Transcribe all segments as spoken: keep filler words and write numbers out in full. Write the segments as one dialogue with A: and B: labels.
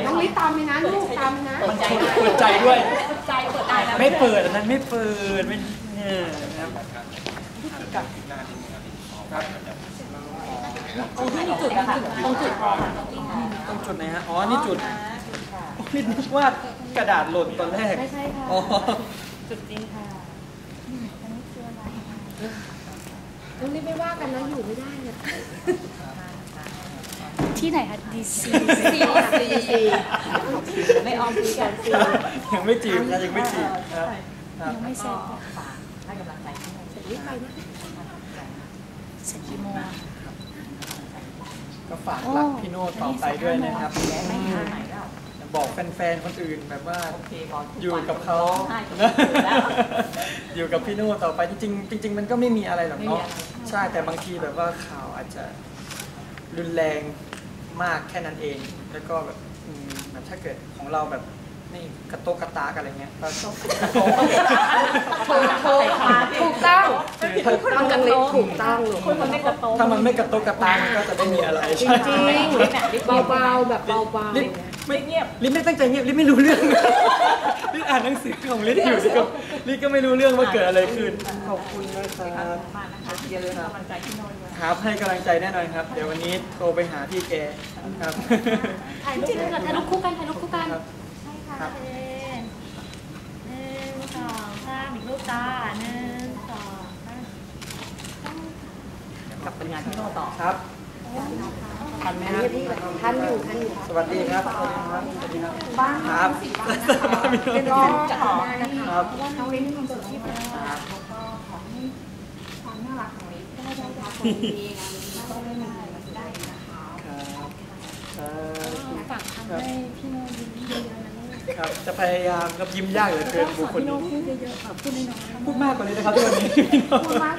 A: น้องลิตามไปนะลูกตามไปนะ
B: มันเปิดใจด้วย
A: ใจเปิดใจ
B: ไม่เปิดอันนั้นไม่เปิดไม่เนี่ยนะครับ
A: ตรงที่มีจุดนะคะตรงจุดพอ
B: ตรงจุดไหนฮะอ๋อนี่จุดนี่นึกว่ากระดาษหล่นตอนแรก
A: ไม่ใช่ค่ะ
B: อ๋อ
A: จุดจริงค่ะน้องลิไม่ว่ากันนะอยู่ไม่ได้เนี่ย
C: ที่ไหนคะดีซี
A: ซีซีไม่ออมซีกันซี
B: ยังไม่จีบนะยังไม่จีบ
C: ยังไม่เสร็จ
A: ให้กำลังใจเสร็จรีบไปนะ
C: เสร็จกี่โมง
B: ก็ฝากรักพี่โน่ต่อไปด้วยนะครับบอกแฟนๆคนอื่นแบบว่าอยู่กับเขาอยู่กับพี่โน่ต่อไปจริงๆจริงๆมันก็ไม่มีอะไรหรอกเนาะใช่แต่บางทีแบบว่าข่าวอาจจะรุนแรงมากแค่นั้นเองแล้วก็แบบแบบถ้าเกิดของเราแบบนี่กระโตกกระตากอะไรเงี้ยก็ถูก
A: ถูกถูกต้องต้องจังเลยถูกต้องเลย
B: ถ้ามันไม่กระโตกกระตากมันก็จะไม่มีอะไร
A: จริงจริงเบาๆแบบเบา
B: ๆไม่เงียบลิศไม่ตั้งใจเงียบลิศไม่รู้เรื่องลิศอ่านหนังสือของลิศอยู่ลิศก็ลิศก็ไม่รู้เรื่องว่าเกิดอะไรขึ้นขอบคุณนะครับ
A: อย่าลืมกำลังใจพี่โน่ด้วย
B: ครับให้กำลังใจแน่นอนครับเดี๋ยววันนี้โทรไปหาพี่แกครับ
C: ถ่ายรูปถ่ายรูปคู่กันถ่ายรูปคู่กัน
A: ใช่ค่ะ
C: หนึ่งสองสามอีกรูปจ้าหนึ่งสองสาม
A: กลับไปงานพี่โน่ต่อ
B: ครับ
A: ทันไหมครับท่านอยู่ท่านอยู่
B: สวัสดีครับสวัสดีครับสวัสดีครับ
A: บ้าน
B: ครับ
A: เป็นร้องขอ
B: ครับ
A: เพราะว่าน้องเล่นมีความสุขที่มากแล้วก็ขอให้ความน่ารักของลิศได้ได้รับคนดีงานนี้ก็ได้มาได้นะคะ
B: ครับ
C: ฝากทำให้พี่โน่ยิ้มเยอะๆนะลูก
B: ครับจะพยายามครับยิ้มยากเหลือเกินบุคคลนี้
C: พูดเยอะๆค่ะพูดน้อย
B: ๆพูดมากกว่านี้นะครับทุกวันนี้
A: พูดมาก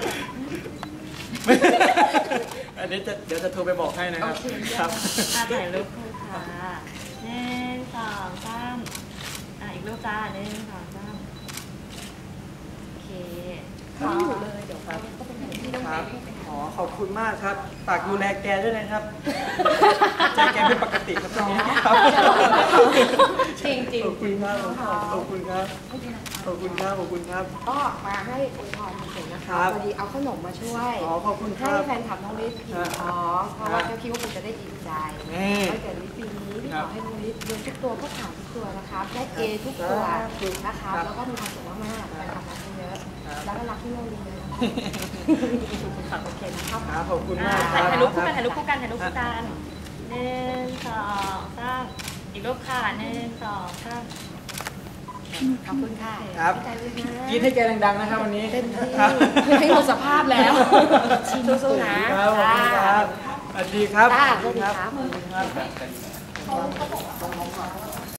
B: อันนี้จะเดี๋ยวจะโทรไปบอกให้นะครับครับ
C: ถ่ายรูปคู่ค่ะหนึ่งสองสามอ่ะอีกรูปจ้าหนึ่งสองสามโอเค
A: ไม่อยู่เลยเดี๋ยวครับก็เป็นอย่างที่ต้อง
B: ครับอ๋อขอบคุณมากครับฝากดูแลแกด้วยนะครับใจแกเป็นปกติครับตอนนี้ครับ
A: จริงจริง
B: ขอบคุณครับขอบคุณครับขอบคุณครับขอบคุณครับ
A: ก็มาให้อวยพรเฉยๆนะคะพอดีเอาขนมมาช่วย
B: อ๋อขอบคุณ
A: ให้แฟนคลับน้องลิศกินท้องเพราะว่าเขาคิดว่าคุณจะได้อิ่มใจถ้าเกิดลิศปีนี้ที่ขอให้น้องลิศเรียนทุกตัวก็ผ่านทุกตัวนะครับได้เอทุกตัวนะคะแล้วก็มีความสุขมากๆแฟนคลับรักเยอะแล้วก็รักที่เราเรียนโอเคนะครับ
B: ขอบคุณมาก
C: ถ่ายรูปคู่กันถ่ายรูปคู่กันถ่ายรูปคู่กันหนึ่งสองสามอีกรูปค่ะหนึ่งสองสาม
A: ขอบคุณค่ะ
B: ครับกินให้แกดังๆนะครับวันนี้
A: เต็มที่ให้หมดสภาพแล้วสู้ๆนะครับ
B: สวัสดีครับ
A: สวัสดีครับ